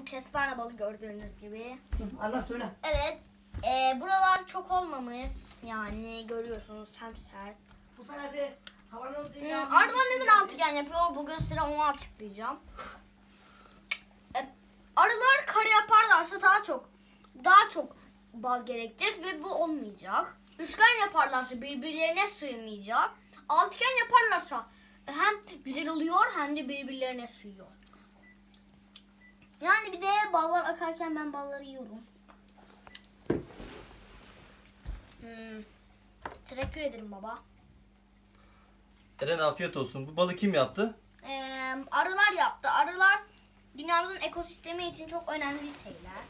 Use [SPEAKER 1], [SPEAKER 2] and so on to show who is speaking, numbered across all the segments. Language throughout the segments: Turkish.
[SPEAKER 1] bu kestane balı gördüğünüz gibi.
[SPEAKER 2] Allah söyle.
[SPEAKER 1] Evet. Buralar çok olmamış. Yani görüyorsunuz hem sert.
[SPEAKER 2] Bu sene de havanın...
[SPEAKER 1] Ardından neden altıgen yapıyor? Bugün size onu açıklayacağım. Arılar kare yaparlarsa daha çok bal gerekecek ve bu olmayacak. Üçgen yaparlarsa birbirlerine sığmayacak. Altıgen yaparlarsa hem güzel oluyor hem de birbirlerine sığıyor. Yani bir de ballar akarken ben balları yiyorum. Teşekkür ederim baba.
[SPEAKER 3] Eren afiyet olsun. Bu balı kim yaptı?
[SPEAKER 1] Arılar yaptı. Arılar dünyamızın ekosistemi için çok önemli şeyler.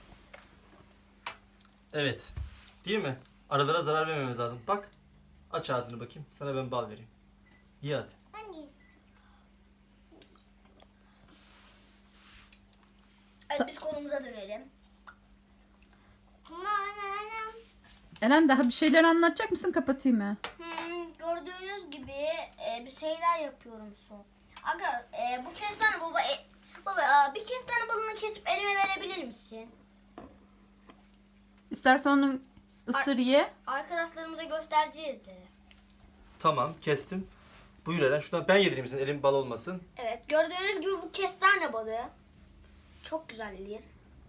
[SPEAKER 3] Evet. Değil mi? Arılara zarar vermemiz lazım. Bak. Aç ağzını bakayım. Sana ben bal vereyim. Ye hadi.
[SPEAKER 1] Hangi? Evet biz konumuza dönelim.
[SPEAKER 4] Eren daha bir şeyler anlatacak mısın? Kapatayım mı?
[SPEAKER 1] Gördüğünüz gibi bir şeyler yapıyorum şu. Aga bu kestane baba bir kestane balını kesip elime verebilir misin?
[SPEAKER 4] İstersen onu ısır ye.
[SPEAKER 1] Arkadaşlarımıza göstereceğiz de.
[SPEAKER 3] Tamam kestim. Buyur Eren. Şuradan ben yedireyim senin. Elim bal olmasın.
[SPEAKER 1] Evet gördüğünüz gibi bu kestane balığı çok güzel yenir.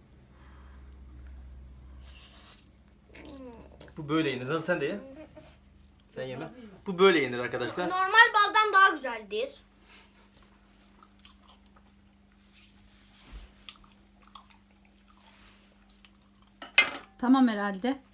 [SPEAKER 3] Bu böyle yenir. Nasıl sen de ye? Sen yeme. Bu böyle yenir arkadaşlar.
[SPEAKER 1] Normal baldan daha güzeldir.
[SPEAKER 4] Tamam herhalde.